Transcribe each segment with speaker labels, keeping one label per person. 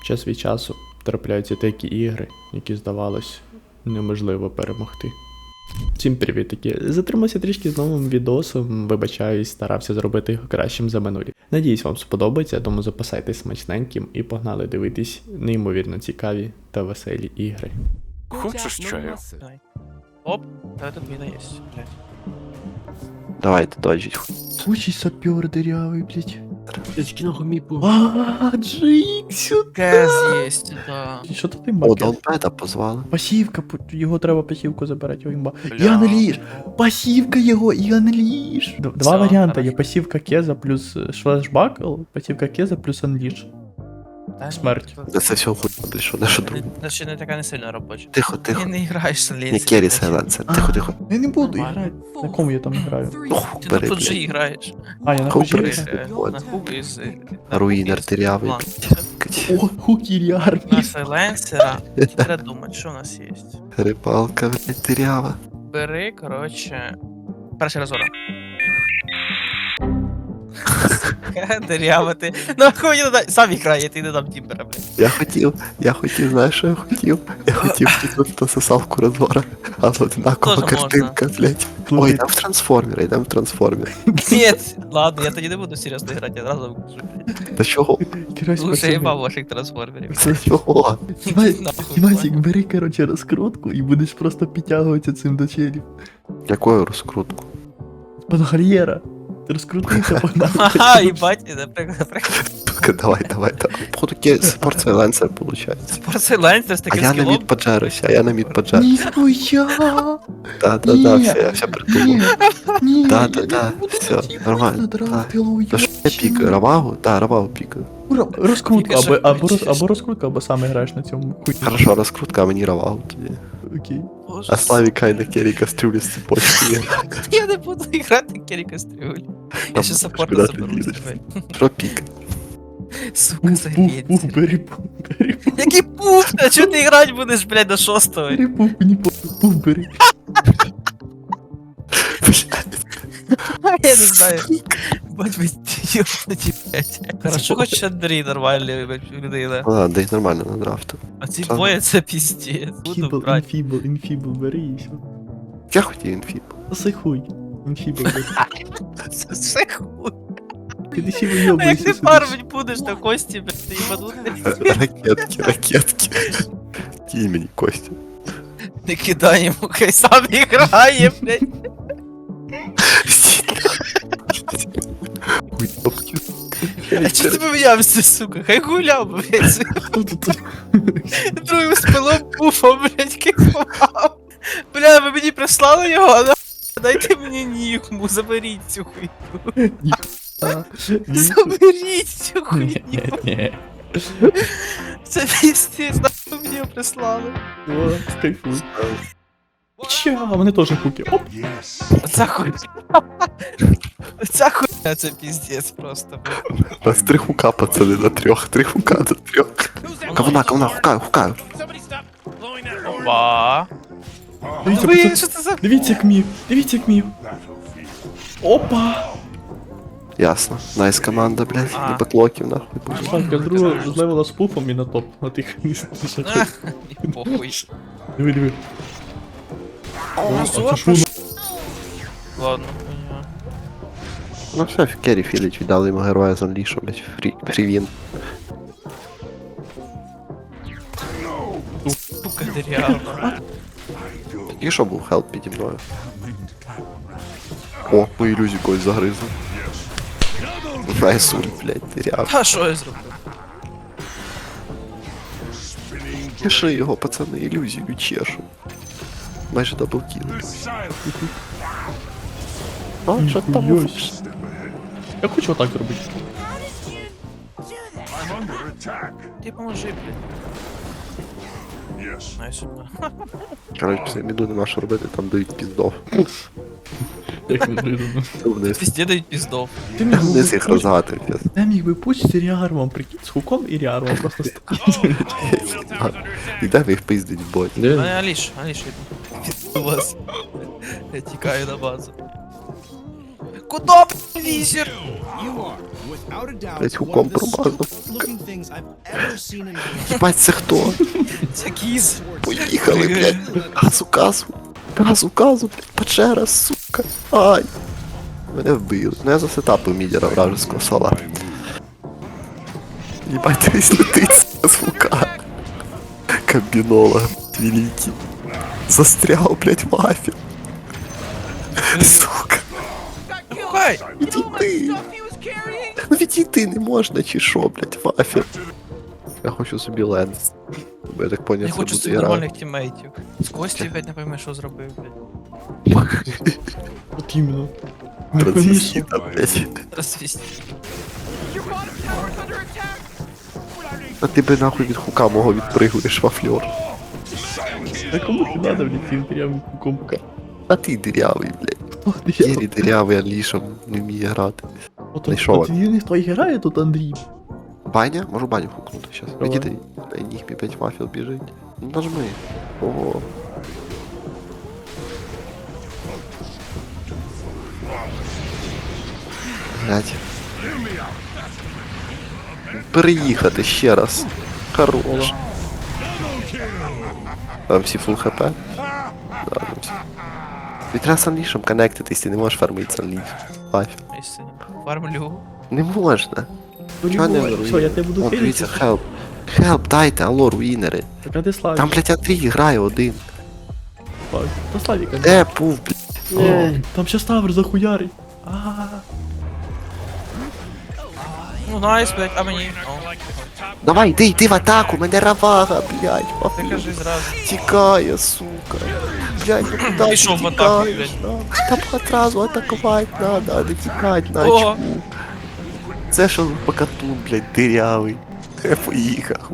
Speaker 1: Час від часу трапляються такі ігри, які здавалось неможливо перемогти. Всім привітки! Затримався трішки з новим відосом, вибачаюсь, старався зробити його кращим за минулі. Надіюсь, вам сподобається, тому запасайтесь смачненьким і погнали дивитись неймовірно цікаві та веселі ігри.
Speaker 2: Хочешь чаю?
Speaker 3: Давай. Оп, да, тут мина есть, блядь.
Speaker 2: Давайте доджить.
Speaker 1: Случай сапер дырявый, блядь.
Speaker 4: Очки нахуй мипу.
Speaker 1: Джиксю!
Speaker 3: КС есть, да.
Speaker 1: Що то ти
Speaker 2: О,
Speaker 1: макет?
Speaker 2: Донпета позвали.
Speaker 1: Пасівка, його треба пасівку забирати, його імба.
Speaker 3: Бля.
Speaker 1: І анліж! Пасівка його, і анліж! Два
Speaker 3: Все,
Speaker 1: варіанти, є
Speaker 3: хорошо.
Speaker 1: пасівка Кеза плюс флешбакл, пасівка Кеза плюс анліж.
Speaker 3: Да,
Speaker 1: Смерть.
Speaker 2: Да це все хуй, блядь, що наша друга.
Speaker 3: Значит, не такая не сильно рабочая.
Speaker 2: Тихо,
Speaker 3: Ты
Speaker 2: тихо.
Speaker 3: не играешь с
Speaker 2: Не керри сайленсер. Тихо, тихо.
Speaker 1: Я не буду
Speaker 3: Нормально.
Speaker 1: грати. На кому я там граю?
Speaker 2: Ох,
Speaker 3: Ты на
Speaker 2: бери,
Speaker 3: PUBG
Speaker 2: блядь.
Speaker 3: играешь.
Speaker 1: А, я на
Speaker 2: Хуй
Speaker 1: хуй
Speaker 2: бери.
Speaker 1: граю.
Speaker 3: На хуби из...
Speaker 2: Руїнер дырявий,
Speaker 3: Ладно.
Speaker 2: блядь.
Speaker 1: О, хукірі
Speaker 3: На
Speaker 1: армії.
Speaker 3: сайленсера. Теперь думать, что у нас есть.
Speaker 2: Рибалка, блядь, дырява.
Speaker 3: Бери, короче... Перший розворот. Дырява ти. Ну хуй не дай. Сам играй, я ти не дам тімбера, блядь.
Speaker 2: Я хотів, знаєш, що я хотів? Я хотів тут сосалку розвора, але одинакова
Speaker 3: Тоже
Speaker 2: картинка, блядь. Ой, йдем в трансформер.
Speaker 3: Нет, ладно, я тоді не буду серйозно грати, я одразу кажу.
Speaker 2: Та чого?
Speaker 1: Керось,
Speaker 3: Лучше
Speaker 1: пацани.
Speaker 3: їбав ваших трансформерів.
Speaker 2: Та чого?
Speaker 1: Дімасик, бери, короче, розкрутку і будеш просто підтягуватися цим до челів.
Speaker 2: Якою розкрутку?
Speaker 1: Пангар'єра. Ти розкрутився, погнали.
Speaker 3: Ага, їбать, наприклад.
Speaker 2: Давай. Походу, спорт сайленсер, виходить.
Speaker 3: Спортсайленсер з
Speaker 2: А
Speaker 3: таким
Speaker 2: я на
Speaker 3: скілом.
Speaker 2: мід поджаруся,
Speaker 1: Ніхуя!
Speaker 2: Да,
Speaker 1: Ні.
Speaker 2: все, я все придумав.
Speaker 1: Ні,
Speaker 2: Да,
Speaker 1: я
Speaker 2: да,
Speaker 1: не
Speaker 2: да,
Speaker 1: буду
Speaker 2: все,
Speaker 1: ці
Speaker 2: нормально,
Speaker 1: драпілу,
Speaker 2: Та що я пікаю, Равагу? Да, Равагу пікаю.
Speaker 1: Розкрутка,
Speaker 3: Тільки
Speaker 1: або
Speaker 3: що
Speaker 1: розкрутка, або сам граєш на цьому хуй.
Speaker 2: Хорошо, розкрутка, а мені Равагу тоді.
Speaker 1: Окей.
Speaker 3: Боже,
Speaker 2: А Славіка і на керрі кастрюлі з цепочкою.
Speaker 3: я не буду грати Керрі Кастрюль. Я
Speaker 2: Там
Speaker 3: ще
Speaker 2: куди
Speaker 3: саппорта
Speaker 2: ти
Speaker 3: заберу.
Speaker 2: лізеш?
Speaker 3: тебе.
Speaker 2: Що пік?
Speaker 3: Сука,
Speaker 1: Бери
Speaker 3: заєбіться.
Speaker 1: бери.
Speaker 3: Який пуф, а чого ти грати будеш, блядь, до шостого?
Speaker 1: Бери мені пуф бери.
Speaker 3: Я не знаю. Бать ви ёбнуті, блядь. Хорошо, хоч Андрій нормальний, блядь, людина.
Speaker 2: Ну ладно, да їх нормально на драфту.
Speaker 3: А ці
Speaker 2: Що?
Speaker 3: двоє це піздець. Буду брати.
Speaker 1: Інфібл, бери і все.
Speaker 2: Я хотів інфіб.
Speaker 1: Засай хуй. Інфібл, бери.
Speaker 3: Це все хуй.
Speaker 1: Ти ще
Speaker 3: А як
Speaker 1: вийобуєшся
Speaker 3: ти
Speaker 1: сюди.
Speaker 3: фармить будеш на кості, блядь, ти їбанутий?
Speaker 2: Ракетки. Кинь мені Костя.
Speaker 3: Не кидай йому, хай сам грає, блядь.
Speaker 2: Хуй, топки.
Speaker 3: А чого ти помінявся, сука? Хай гуляв, блядь.
Speaker 1: Хто тут?
Speaker 3: Другим спилом пуфом, блядь, кайфував. Бля, ви мені прислали його, а на... Дайте мені нігму, заберіть цю хуйню. Заберіть цю хуйню.
Speaker 1: Ні.
Speaker 3: Це піздець, нахуй мені його прислали.
Speaker 1: О, кайфуй. Ча, вони теж хуки. Оп.
Speaker 3: Оця хуйня. Оця хуйня, це піздець просто, блядь.
Speaker 2: У нас 3 хука, пацани, на 3. 3 хука на 3. Ковна, хукаю.
Speaker 3: Опа.
Speaker 1: Дивіться,
Speaker 3: Ви,
Speaker 1: пацани,
Speaker 3: що це за...
Speaker 1: дивіться, як мів. Опа.
Speaker 2: Ясно. Найс команда, блядь.
Speaker 3: А.
Speaker 2: Не беклоків, нахуй. буде.
Speaker 1: Шанка з другого з левела з пуфом і на топ. На тих
Speaker 3: А, і похуй.
Speaker 1: Диви.
Speaker 3: А
Speaker 1: це ж воно.
Speaker 3: Ладно, хуйня.
Speaker 2: Ну все, керрі філіч, віддали йому героя з Unleash, блядь. Фрівін.
Speaker 3: Сука, дерев'яна.
Speaker 2: І що був хелп піді мною? О, мою ілюзію когось загризли. Найсуль, блядь, диряв.
Speaker 3: А що я зроблю?
Speaker 2: Чеши його, пацани, ілюзію чешу. Майже даблкіл. А, що там?
Speaker 1: Ніхуйось. Я хочу отак зробити.
Speaker 3: Ти поможи, блядь. Найс.
Speaker 2: Короче, після міду нема що робити, там дають піздов.
Speaker 1: Як неожиданно.
Speaker 2: Вниз.
Speaker 3: Везде дають піздов.
Speaker 1: Ти міг
Speaker 2: Вниз
Speaker 1: би
Speaker 2: їх розгати, піз.
Speaker 1: Я міг би пусть з Ріармом, прикинь, з хуком і Ріармом просто стоїть.
Speaker 2: І де ви їх пиздить в боті?
Speaker 3: Мене Аліш йду. Пізду вас. Я тікаю на базу. Куда, візір?
Speaker 2: Блять, хуком промазав. Ебать, це хто?
Speaker 3: Це кіз.
Speaker 2: Поїхали, блядь. Газу. Газу, блядь, печера, сука. Ай. Мене вбили. Ну я засетапив мідера вражеского сола. Ебать, дивись летить з лука. Комбінолог, великий. Застрял, блядь, мафія. Сука.
Speaker 3: Хай!
Speaker 2: Відійди. Ну відійти не можна, чи що, блядь, мафія. Я хочу собі ленс. Бо я так поняв,
Speaker 3: Я
Speaker 2: це
Speaker 3: хочу
Speaker 2: буде
Speaker 3: собі
Speaker 2: гра.
Speaker 3: нормальних тіммейтів. З Кості, блядь, не пойми, що зробив, блядь.
Speaker 1: От іменно. Не пойми,
Speaker 2: Трансвестита, блядь.
Speaker 3: Розвісти.
Speaker 2: А ти би нахуй від хука мого відпригуєш, вафльор.
Speaker 1: а кому ти надо, блядь, цим прям кукомка?
Speaker 2: А ти дирявий, блядь. Єрі дирявий, а лішом не вміє грати. Знайшов.
Speaker 1: От він хто і грає тут, Андрій.
Speaker 2: Баня? Можу баню хукнути щас.
Speaker 1: Давай.
Speaker 2: Відійди. Дай ніг, мій 5 вафел біжить. Ну нажми. Ого. Блядь. Переїхати ще раз. Хорош. Там всі фул хп? Да, там всі. Ти треба санлішем коннектитись, ти не можеш фармити санліш. Вафел.
Speaker 3: Істинно. Фармлю.
Speaker 2: Не можна. Чого не руїн?
Speaker 1: Все, я тебе буду
Speaker 2: О, дивіться,
Speaker 1: хилити.
Speaker 2: хелп. Хелп, дайте, алло, руїнери.
Speaker 1: Так, а де Славік?
Speaker 2: Там, блядь, Андрій грає один.
Speaker 1: Та Славіка.
Speaker 2: Де пув, блядь?
Speaker 1: О, там ще Ставр захуярить.
Speaker 3: Ну, найс, блядь, а мені. О,
Speaker 2: Давай, йди в атаку, мене равага, блядь.
Speaker 3: ти
Speaker 2: Папу.
Speaker 3: кажи зразу.
Speaker 2: Тікає, сука. Блядь, ну куди ти
Speaker 3: Пішов в атаку,
Speaker 2: тікаєш?
Speaker 3: блядь.
Speaker 2: Там одразу атакувати надо, а не тікати на
Speaker 3: О.
Speaker 2: очку. Це що покатун, блядь, дирявий. Я поїхав.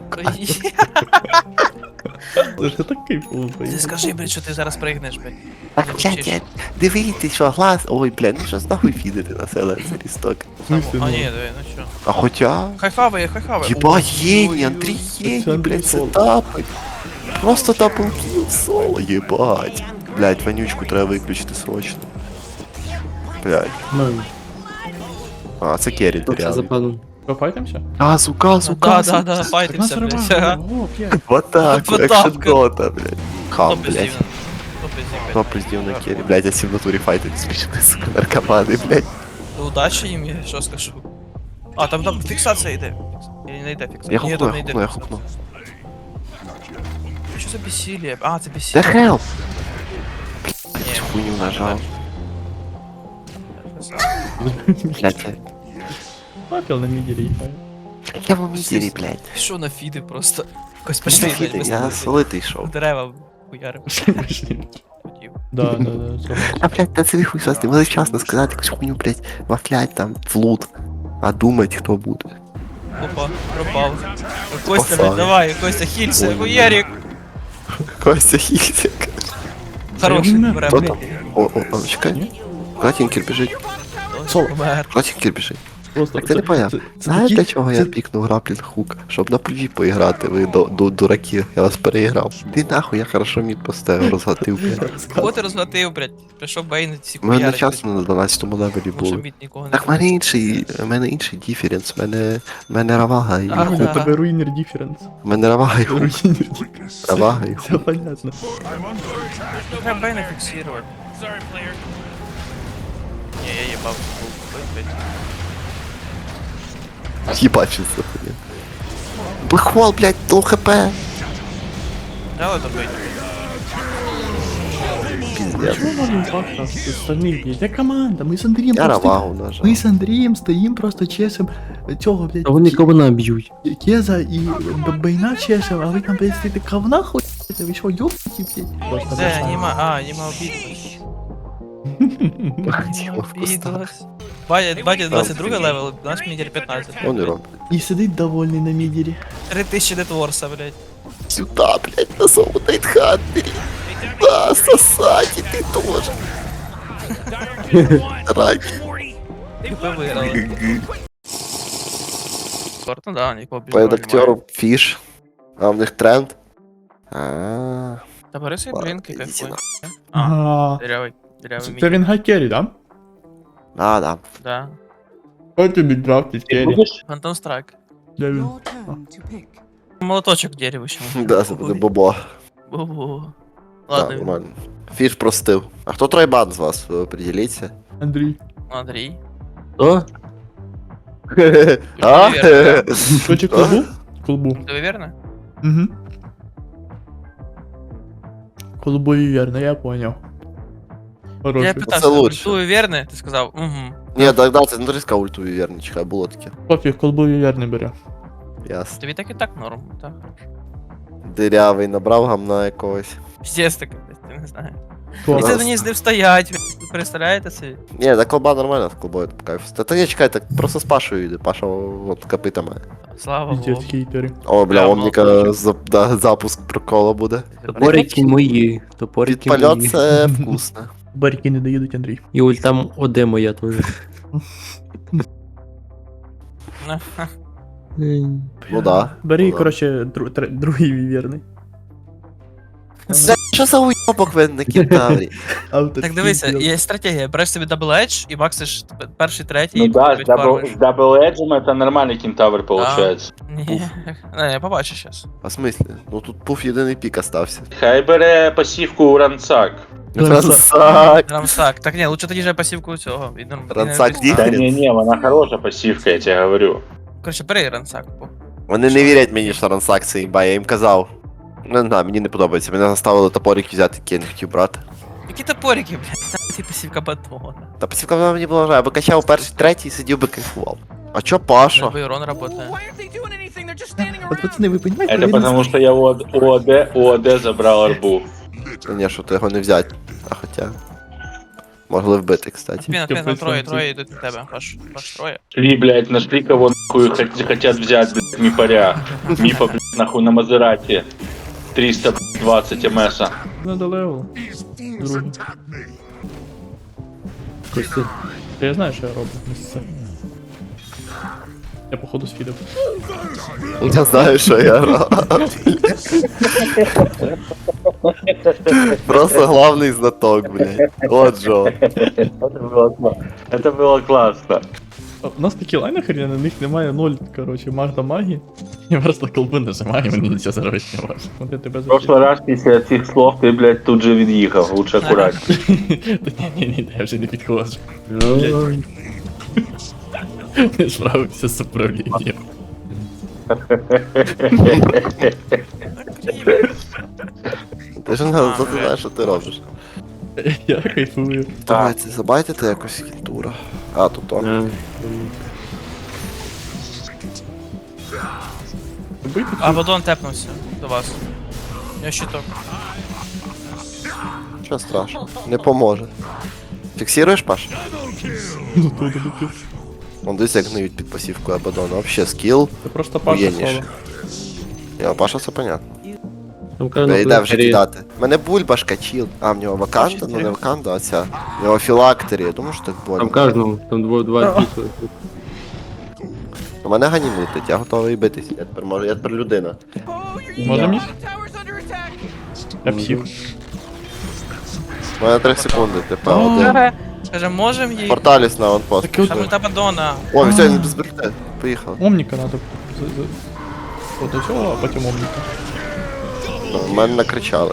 Speaker 1: Це ж так кайфово.
Speaker 3: Ти скажи, блядь, що ти зараз пригнеш, блядь.
Speaker 2: Так,
Speaker 3: Не
Speaker 2: блядь,
Speaker 3: вчиш.
Speaker 2: дивіться, що глаз. Ой, блядь, ну що нахуй фідити на селенсері сток.
Speaker 3: А ні, диви, ну що.
Speaker 2: А хоча...
Speaker 3: Хай хаває.
Speaker 2: Єбать, гені,
Speaker 3: Ой-ой-ой.
Speaker 2: Андрій
Speaker 1: Це
Speaker 2: гені,
Speaker 1: Андрій
Speaker 2: блядь, це
Speaker 1: Соло.
Speaker 2: тапить. Просто таплкіл соло, єбать. Блядь, вонючку треба виключити срочно. Блядь.
Speaker 1: Ну,
Speaker 2: А, це керрі,
Speaker 4: Це за
Speaker 2: дирявий.
Speaker 4: паном.
Speaker 1: пофайтимся?
Speaker 2: Газу,
Speaker 3: Да,
Speaker 2: газу.
Speaker 3: да, файтимся,
Speaker 1: Так нас
Speaker 3: блядь.
Speaker 1: рвало.
Speaker 3: Ага.
Speaker 1: О, п'ять.
Speaker 2: В атаку,
Speaker 3: В
Speaker 2: екшен
Speaker 3: атаку.
Speaker 2: дота, блядь. Хам,
Speaker 3: Хто
Speaker 2: блядь.
Speaker 3: пиздів? Хто пиздів,
Speaker 2: Хто
Speaker 3: блядь?
Speaker 2: приздів на керрі? Блядь, я сів в натурі файтить смішно, сука, наркомани, блядь.
Speaker 3: Удачі їм, я що скажу. А, там фіксація йде. Или не йде фіксація?
Speaker 2: Я
Speaker 3: Ні, там не йде
Speaker 2: хукну, я
Speaker 3: фіксація.
Speaker 2: хукну.
Speaker 3: Що за бесілля? А, це
Speaker 2: Де
Speaker 3: бесілля.
Speaker 2: хелп?
Speaker 3: Ні.
Speaker 2: Цю хуйню нажав. Блядь,
Speaker 1: Папіл на мідері їхає.
Speaker 2: я в мідері, блядь.
Speaker 3: Що на фіди просто? Якось
Speaker 2: Пішли,
Speaker 3: пішли, блядь, без
Speaker 2: я
Speaker 3: тебе.
Speaker 2: солитий йшов.
Speaker 3: Дерева хуярив. Хотів.
Speaker 1: Да.
Speaker 2: А, блядь, та це хуй сости, може вчасно сказати якусь хуйню, блядь, вафлять там, в лут. А думать, хто буде.
Speaker 3: Опа, пропав. Костя,
Speaker 2: Попав.
Speaker 3: блядь, давай, Костя, хілься,
Speaker 2: Ой,
Speaker 3: хуярик.
Speaker 2: Костя Хільсик.
Speaker 3: Хороший,
Speaker 1: Хто
Speaker 3: бере,
Speaker 2: Хто
Speaker 3: блядь.
Speaker 2: там? О, чекай. Куди тінкер біжить?
Speaker 1: Сол.
Speaker 3: Помер.
Speaker 2: Куди тінкер біжить?
Speaker 1: Просто.
Speaker 2: Так ти не поняв. Знаєш, для чого я пікнув граплінг хук? Щоб на плюві поіграти, ви дураки, я вас переіграв. Ти нахуй, я хорошо мід поставив, розгатив, блядь.
Speaker 3: Кого ти розгатив, блядь? Прийшов Бейн, всі
Speaker 2: У мене
Speaker 3: хуярить.
Speaker 2: часно на 12-му левелі
Speaker 3: Тому що
Speaker 2: було.
Speaker 3: мід нікого не
Speaker 2: Так в мене інший діференс, в мене равага і
Speaker 3: А,
Speaker 2: хук.
Speaker 1: У тебе руїнер діференс.
Speaker 2: В мене равага і хук.
Speaker 1: Руїнер діференс.
Speaker 2: Равага і хук.
Speaker 1: Все понятно.
Speaker 3: Треба Бейна фіксувати. Ні, я їбав. Блядь.
Speaker 2: Ебать, що це хуйня. Блэкхол, блядь, лоу хп.
Speaker 3: Дали добить.
Speaker 2: Пиздец.
Speaker 1: Чего можем как-то с остальных бить? Я команда, мы с Андреем
Speaker 2: Я
Speaker 1: просто...
Speaker 2: равагу нажав.
Speaker 1: Мы с Андреем стоим просто чесом цього, блядь,
Speaker 4: А вони кого наб'ють?
Speaker 1: Кеза и Бейна чесом, а вы там, блядь, стоите говна хоть? Вы что, ёбки, блядь? Просто
Speaker 3: Це,
Speaker 1: бросаю.
Speaker 3: нема обідалось. Обідалось. Батя 22 левел, наш мідер 15.
Speaker 2: Он і робить.
Speaker 1: И сидит довольный на мидере.
Speaker 3: 3000 детворса, блядь.
Speaker 2: Сюда, блядь, на самому Найтхантері. Да, сосать, і ти тоже. Рак.
Speaker 3: Типа виграли. Спортно, да, нікого більше
Speaker 2: Перед
Speaker 3: немає.
Speaker 2: актером фіш. А в них тренд. Ааа.
Speaker 3: Та бери свої блінки,
Speaker 2: Ладно,
Speaker 3: кайфуй.
Speaker 2: ідіть
Speaker 3: А,
Speaker 1: Ага.
Speaker 3: дырявий
Speaker 1: Це
Speaker 3: мідер.
Speaker 1: він гакері, да?
Speaker 2: А, да.
Speaker 3: Да.
Speaker 1: Хто тобі драфтить,
Speaker 5: Ти
Speaker 1: Керрі?
Speaker 5: будеш?
Speaker 3: Фантом Страйк.
Speaker 1: Де він?
Speaker 6: Your turn to pick.
Speaker 3: Молоточок дерево ще.
Speaker 2: Да, це буде бобо.
Speaker 3: Бу-бу.
Speaker 2: Так,
Speaker 3: Ладно,
Speaker 2: нормально. Фіш простив. А хто тройбан з вас? Ви определіться.
Speaker 1: Андрій.
Speaker 3: Андрій.
Speaker 4: О,
Speaker 2: А?
Speaker 1: Хоче клубу? Клубу.
Speaker 3: Ти вірно?
Speaker 1: Угу. Клубою вірно, я поняв.
Speaker 3: Я
Speaker 1: Хороший.
Speaker 3: питався,
Speaker 2: лучше.
Speaker 3: ультую вірне? Ти сказав, угу.
Speaker 2: Ні, так, це не риска ультові вірні, чекай, було таке.
Speaker 1: Пофіг, клубою вірно бере.
Speaker 2: Ясно.
Speaker 3: Тобі так і так норм, так.
Speaker 2: Дирявий набрав гамна якогось.
Speaker 3: Піздець таке, блядь, я не знаю.
Speaker 1: Хто?
Speaker 3: І це мені з ним стоять, ви представляєте собі?
Speaker 2: Ні, так колба нормально, з колбою по кайфу. Та ні, чекай, так просто з Пашою йде, Паша от копита має.
Speaker 3: Слава
Speaker 1: Піздець,
Speaker 3: Богу.
Speaker 1: хейтери.
Speaker 2: О, бля,
Speaker 3: Прямо
Speaker 2: Омніка запуск прокола буде.
Speaker 4: топорики мої. Топорики
Speaker 2: Підпальот
Speaker 4: мої.
Speaker 2: це вкусно.
Speaker 1: Барики не доїдуть, Андрій.
Speaker 4: І ультам ОД моя теж.
Speaker 2: Ну да.
Speaker 1: Бери,
Speaker 2: Ну да.
Speaker 1: коротше, другий вірний.
Speaker 2: Це що за уйобок ви на кентаврі?
Speaker 3: Так дивися, є стратегія, береш собі дабл едж і максиш перший, третій,
Speaker 5: Ну
Speaker 3: і
Speaker 5: да,
Speaker 3: потім фармиш.
Speaker 5: с дабл-эджем это нормальный кентавр получается.
Speaker 3: Ні, не, я побачу щас.
Speaker 2: А в смислі? Ну тут пуф єдиний пік остався.
Speaker 5: Хай бере пасівку у Ранцак.
Speaker 2: Рансак!
Speaker 3: Рамсак. Так ні, лучше тоді же пасівку цього.
Speaker 2: Ранцак
Speaker 5: Да
Speaker 2: Діференс.
Speaker 5: не, вона хороша пасівка, я тебе говорю.
Speaker 3: Короче, бери ранцак.
Speaker 2: Вони не вірять мені, що Рансак це імба, я їм казав. Не знаю, мені не подобається. Мене заставили топорик взяти, який я не хотів брати.
Speaker 3: Які топорики, блядь, ти пасівка батона.
Speaker 2: Та пасівка вона мені була жаль, я би качав перший, третій, сидів би кайфував. А чо Паша?
Speaker 3: Байрон работає.
Speaker 1: От пацани, ви розумієте?
Speaker 5: Это потому что я у ОД забрал арбу.
Speaker 2: Ні, що то його не взяти. А хоча. Могли вбити, кстати.
Speaker 3: Піна, троє йдуть на тебе, Паш троє.
Speaker 5: Шли, блядь, нашли кого нахуй хотят взять, блядь, мипаря. Мипа, блядь, нахуй на Мазерати. 320 МСа.
Speaker 1: Надо левел. Другий.
Speaker 4: Костя.
Speaker 1: Я знаю, що я роблю. Місце. Я походу сфідав.
Speaker 2: Я знаю, що я роблю. Просто главний знаток, блядь. От Джо.
Speaker 5: Это было классно.
Speaker 1: У нас такі лайни хрена, на них немає 0, короче, магда магії. Я просто колби нажимаю, мені нічого зробити не можу. От я тебе
Speaker 5: В прошлый раз після цих слов ти, блядь, тут же від'їхав, лучше акуратно.
Speaker 1: Та ні, я вже не підходжу.
Speaker 4: Ой.
Speaker 1: Не справився з управлінням.
Speaker 2: Ти ж не знаєш, що ти робиш.
Speaker 1: Я кайфую.
Speaker 2: Давайте, забайтите якось кінтура. А, тут он.
Speaker 4: Е,
Speaker 1: Бийте
Speaker 3: А Вадон тепнувся до вас. Я щиток.
Speaker 2: Що страшно? Не поможе. Фіксируєш, Паш?
Speaker 1: тут добив.
Speaker 2: Он десь як гниють під пасівкою Абадона. Вообще скіл.
Speaker 1: Це просто Паша
Speaker 2: Уєнніше.
Speaker 1: соло.
Speaker 2: Я Паша, все понятно.
Speaker 4: Там
Speaker 2: Та
Speaker 4: кажуть,
Speaker 2: йде вже кидати. Мене бульбашка чіл. А, в нього ваканда? Ну не ваканда, а ця. В нього філактері, я думаю, що так
Speaker 4: Там
Speaker 2: больно.
Speaker 4: кожному, там два дійсно.
Speaker 2: У мене гані летить, я готовий битись. Я тепер можу, я тепер людина.
Speaker 1: Може місь? Я псих.
Speaker 2: У мене 3 секунди, типа один.
Speaker 3: Скаже, можем їй?
Speaker 2: Порталіс на онпост.
Speaker 3: Там ульта Бадона.
Speaker 2: О, все, він без бельте. Поїхав.
Speaker 1: Омніка надо. От до цього, а потім омніка.
Speaker 2: У мене накричали.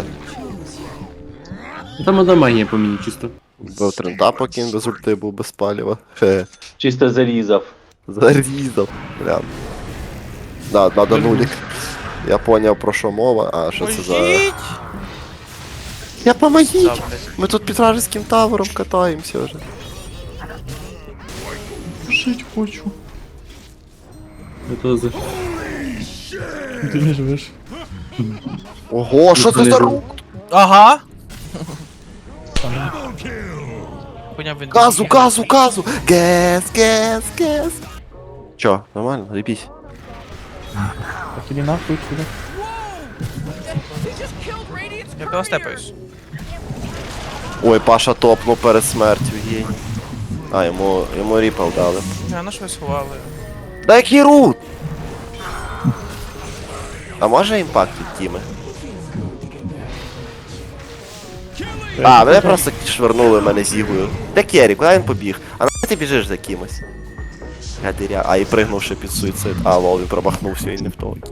Speaker 4: Там одна магія по мені чисто.
Speaker 2: Був трента, поки він без ульти був без паліва. Хе.
Speaker 5: Чисто зарізав.
Speaker 2: Зарізав. Прям. Да, надо нулік. Я поняв про що мова, а що це за...
Speaker 3: Пожіть!
Speaker 2: Я помогіть!
Speaker 3: Да, блядь.
Speaker 2: Ми тут під вражеським тавером катаємося вже.
Speaker 1: Жить хочу.
Speaker 4: Я то за...
Speaker 1: Ти не живеш.
Speaker 2: Ого, що це за рук?
Speaker 3: Ага! Хуйня він.
Speaker 2: Газу, газу, газу! Гес, гес, гес! Чо, нормально? Репись.
Speaker 1: Так іди нахуй сюди.
Speaker 3: Я пилостепаюсь.
Speaker 2: Ой, Паша топнув перед смертю, геній. А, йому ріпал дали.
Speaker 3: А на що ви сховали?
Speaker 2: Да який рут! А може імпакт від тіми? А, мене просто швирнули мене з Ігою. Де Керрі, куди він побіг? А на ти біжиш за кимось? Я диря. А і пригнувши під суїцид. А, лол, він промахнувся і не в того.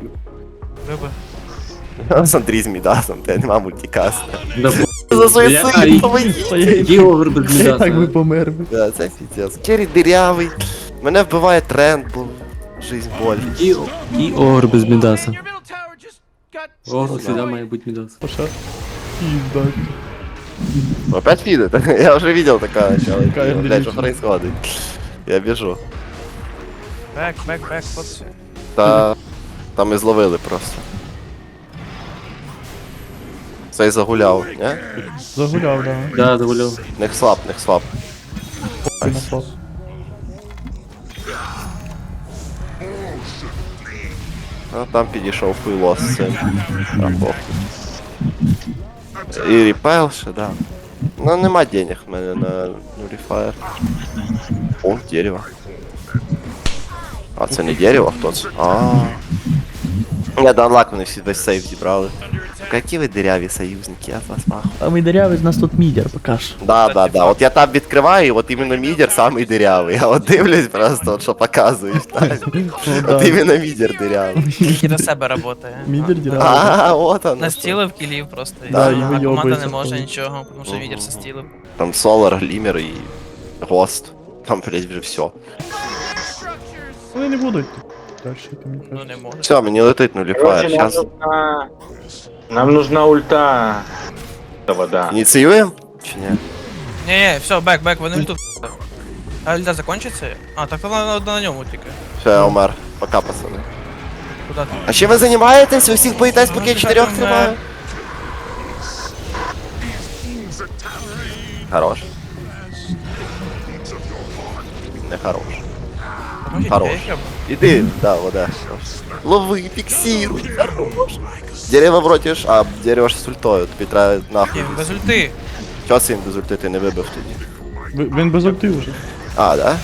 Speaker 3: Вибив.
Speaker 2: Сандріз Мідасом, те нема мультикаста.
Speaker 4: Да,
Speaker 2: За суїцид, помогіть!
Speaker 4: і огр без
Speaker 1: Я так би
Speaker 4: мідаса.
Speaker 1: помер.
Speaker 2: Да, це піздець. Керрі дирявий. Мене вбиває тренд, бо жизнь боль.
Speaker 4: І огр без мідаса. Огр завжди має бути мідас.
Speaker 1: Пошар. Пізда.
Speaker 2: Опять видит? Я уже видел такое начало.
Speaker 1: Какая
Speaker 2: Блять, что
Speaker 1: дрянь.
Speaker 2: происходит? Я бежу.
Speaker 3: Бек, хлопці.
Speaker 2: Та там і зловили просто. Цей загуляв, не?
Speaker 1: Загуляв, да.
Speaker 4: Да, загуляв.
Speaker 2: Нех слаб, нех слаб.
Speaker 1: Напав.
Speaker 2: А там підійшов хуйло з цим. А, похуй. І репайл ще, да. Ну нема денег в мене на Nullifier. О, дерево. А це не дерево, хто це? Я до анлак вони всі весь сейф зібрали. Які ви диряві союзники, я вас нахуй.
Speaker 1: А ми дырявий, з нас тут мідер, покаж.
Speaker 2: Да. От я там відкриваю, і от іменно мідер самий дирявий. Я от дивлюсь просто, от що показуєш, так? От іменно мідер дирявий.
Speaker 3: І на себе працює.
Speaker 1: Мідер дырявий.
Speaker 2: А, от оно.
Speaker 3: Настілив кілів просто.
Speaker 2: Да,
Speaker 3: а
Speaker 2: і
Speaker 3: команда
Speaker 1: вийобується
Speaker 3: не може
Speaker 1: просто.
Speaker 3: нічого, тому що відер застілив.
Speaker 2: Там Солар, Глімер і Гост. Там, блядь, вже все.
Speaker 1: Вони не будуть. Дальше ти мені
Speaker 3: Ну
Speaker 1: кажеш.
Speaker 3: не може.
Speaker 2: Все, мені летить Nullifier.
Speaker 5: Короче,
Speaker 2: Сейчас
Speaker 5: нам нужна ульта. Вода.
Speaker 2: ініціюємо? Чи ні?
Speaker 3: Ні, все, бек, вони тут. А льда закончиться? А, так то на ньому тільки.
Speaker 2: Все, я умер. Пока, пацани.
Speaker 3: Куда ти?
Speaker 2: А чим ви займаєтесь? Ви всіх боїтесь, поки я 4 тримаю? Хорош. Не хорош. Хорош. Иди, да, вода. Лови, фиксируй, хорош. Дерево вротиш, а дерево ж з ультою, тобі треба нахуй.
Speaker 3: Без ульти.
Speaker 2: Чого це він без ульти ти не вибив тоді?
Speaker 1: Він без ульти вже.
Speaker 2: А, да?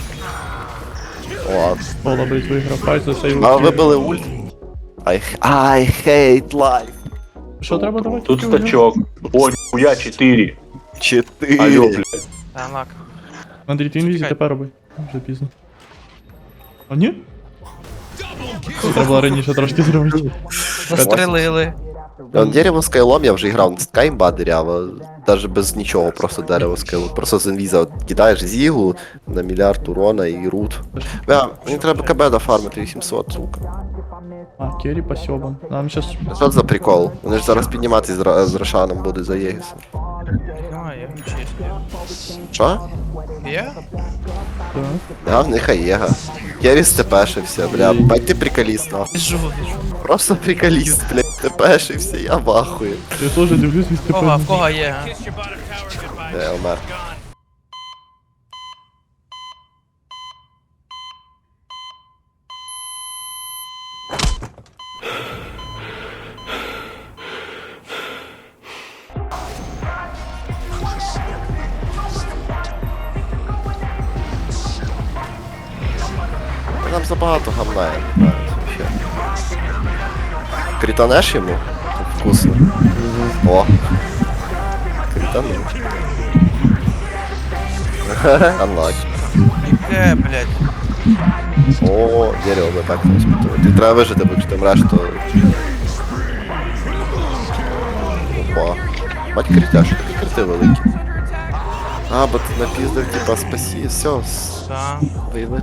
Speaker 2: Ладно.
Speaker 1: Пола, блядь, виграв файт за цей
Speaker 2: А вибили ульт? I hate life.
Speaker 1: Що треба давати?
Speaker 5: Тут стачок. О, нихуя 4.
Speaker 2: 4.
Speaker 5: Алло, блядь.
Speaker 3: Та, лак.
Speaker 1: Андрій, ти інвізі
Speaker 3: Чекай.
Speaker 1: тепер роби. Вже пізно. А ні? Треба було раніше трошки зробити.
Speaker 3: Настрелили.
Speaker 2: Дерево скайлом я вже грав, така імба дерева, навіть без нічого, просто дерево скайлом. Просто з інвіза от кидаєш зігу на мільярд урона і рут. Бля, мені треба КБ дофармити 800, сука.
Speaker 1: А, Керрі посьобан. Нам щас...
Speaker 2: Що це за прикол? Вони ж зараз підніматись з Рошаном будуть за Єгісом.
Speaker 3: Немає, чисто.
Speaker 2: Що?
Speaker 3: Є?
Speaker 1: Так.
Speaker 2: Да, в них Аєга. Керіс тепешився, бля, бать ти приколіст, нахуй.
Speaker 3: Біжу.
Speaker 2: Просто приколіст, блядь, тепешився, я в ахуї.
Speaker 1: Я теж дивлюсь від
Speaker 3: В кого є?
Speaker 2: Де, умер. Нам забагато гамна, я не знаю, вообще. Кританеш йому? Вкусно. О. Кританув. Анлак.
Speaker 3: Яке, блядь.
Speaker 2: О, дерево ми так не спитали. Ти треба вижити, бо якщо ти мреш, то... Опа. Бать критя, що такі крити великі. А, бо ти напіздав, типа, спасі, все,
Speaker 3: Та.
Speaker 2: вийли.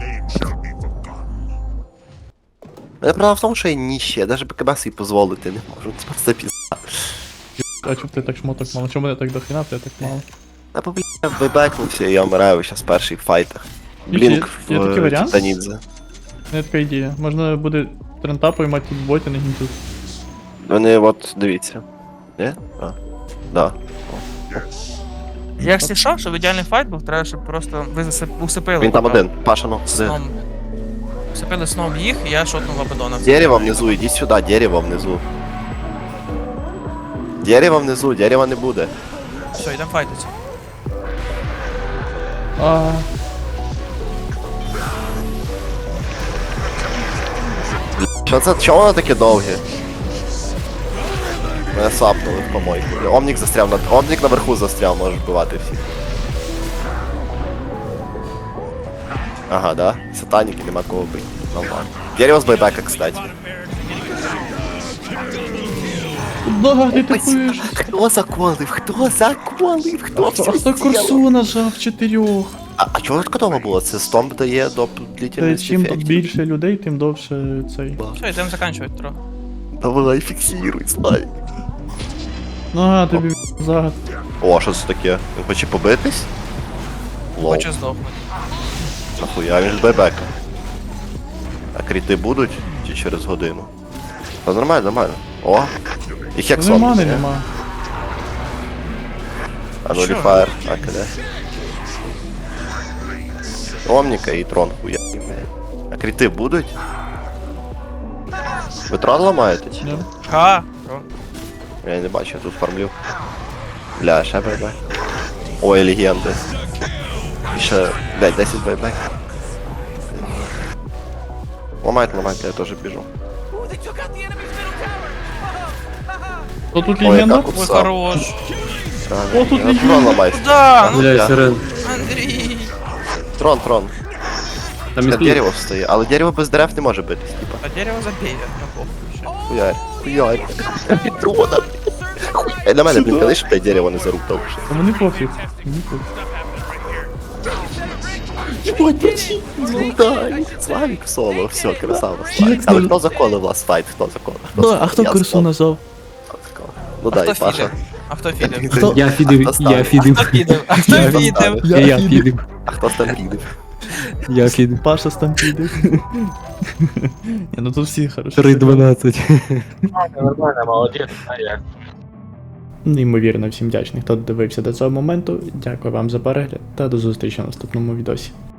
Speaker 2: Але правда в тому, що я ніще, я навіть БКБ собі дозволити не можу, це просто пізда.
Speaker 1: А чому ти так шмоток мало? Чому мене так дохрена, ти так мало?
Speaker 2: А бо, блядь, вибекнувся, і я вмираю зараз в перших файтах.
Speaker 1: Є-
Speaker 2: Блінк
Speaker 1: є такий
Speaker 2: в
Speaker 1: варіант?
Speaker 2: Титанідзе.
Speaker 1: Не така ідея. Можна буде трента поймати тут боті на гінту.
Speaker 2: Вони от, дивіться. Ні? А. Да.
Speaker 3: Якщо що, щоб ідеальний файт був, треба, щоб просто ви усипили.
Speaker 2: Він там один, Паша, ну, з...
Speaker 3: Сном. Усипили сном їх, і я шотнув Абадона.
Speaker 2: Дерево внизу, иди сюда, дерево внизу. Дерево внизу, дерева не буде.
Speaker 3: Все, йдемо файтиться.
Speaker 1: А,
Speaker 2: Що це? Чого воно таке довге? Мене сапнули в помойку. Омнік застряв на... Омнік наверху застряв, може вбивати всіх. Ага, да? Сатаники, нема кого бить. Нормально. Дерево з байбека, кстати.
Speaker 1: Да, ти тупиш.
Speaker 2: Хто заколив? Хто заколив? Хто все
Speaker 1: А хто курсу нажав 4?
Speaker 2: А чого відкотово було? Це стомп дає до
Speaker 1: Та
Speaker 2: длительності
Speaker 1: чим тут
Speaker 2: ефектів.
Speaker 1: більше людей, тим довше цей.
Speaker 3: Все, йдемо заканчувати трохи.
Speaker 2: Давай, фіксируй, Славік.
Speaker 1: А, тобі загад.
Speaker 2: О, що це таке? Він хоче побитись? Лол,
Speaker 3: Хоче здохнути.
Speaker 2: нахуя, він ж байбека. А кріти будуть? Чи через годину? Та нормально, нормально. О! І хексон.
Speaker 1: Нема, не нема.
Speaker 2: А ну
Speaker 3: Що?
Speaker 2: ліфаєр, а киде. Омніка і трон хуя. А кріти будуть? Ви трон ламаєте? чи ні?
Speaker 1: Ні.
Speaker 3: Ха!
Speaker 2: Я не бачу, я тут фармлю. Бля, ще байбек. Ой, легенди. І ще, блядь, 10 байбек. Ламайте, я теж біжу.
Speaker 1: То тут
Speaker 2: Ой,
Speaker 1: легенда?
Speaker 2: яка
Speaker 3: Ой,
Speaker 2: купса.
Speaker 3: хорош.
Speaker 1: О, тут легенда.
Speaker 2: Трон ламайся.
Speaker 3: Куда?
Speaker 2: Ну,
Speaker 4: Бля,
Speaker 2: я.
Speaker 4: сирен.
Speaker 3: Андрій!
Speaker 2: Трон.
Speaker 4: Там
Speaker 2: Це
Speaker 4: і
Speaker 2: дерево встає, але дерево без дерев не може битись, типа.
Speaker 3: А дерево забей, ну похуй.
Speaker 2: Хуярь. Трона. Хуй. На мене, блін, коли ж те дерево не заруптав вже.
Speaker 1: А мені пофіг. Мені пофіг.
Speaker 2: Золотай. Славік в соло, все, красава.
Speaker 1: Як
Speaker 2: Славік. Але
Speaker 1: це?
Speaker 2: хто заколив вас файт? Хто заколив?
Speaker 1: Ну, а хто
Speaker 2: Я
Speaker 1: курсу
Speaker 2: заколив.
Speaker 1: назвав?
Speaker 2: Хто заколив? Ну
Speaker 3: А
Speaker 2: дай,
Speaker 3: хто
Speaker 2: Паша.
Speaker 3: фідив? А хто фідив?
Speaker 1: Хто?
Speaker 4: Я фідив,
Speaker 2: Хто ставив?
Speaker 4: я фідив.
Speaker 3: Хто фідив? А хто
Speaker 2: Я
Speaker 3: фідив?
Speaker 2: ставив.
Speaker 4: Я фідив.
Speaker 2: А хто стампідив?
Speaker 4: Я фідив.
Speaker 1: Паша стампіди. Ні, ну тут всі хорошо.
Speaker 4: 3-12.
Speaker 5: Нормально, молодець, а як?
Speaker 1: Неймовірно всім вдячний, хто додивився до цього моменту. Дякую вам за перегляд та до зустрічі в наступному відосі.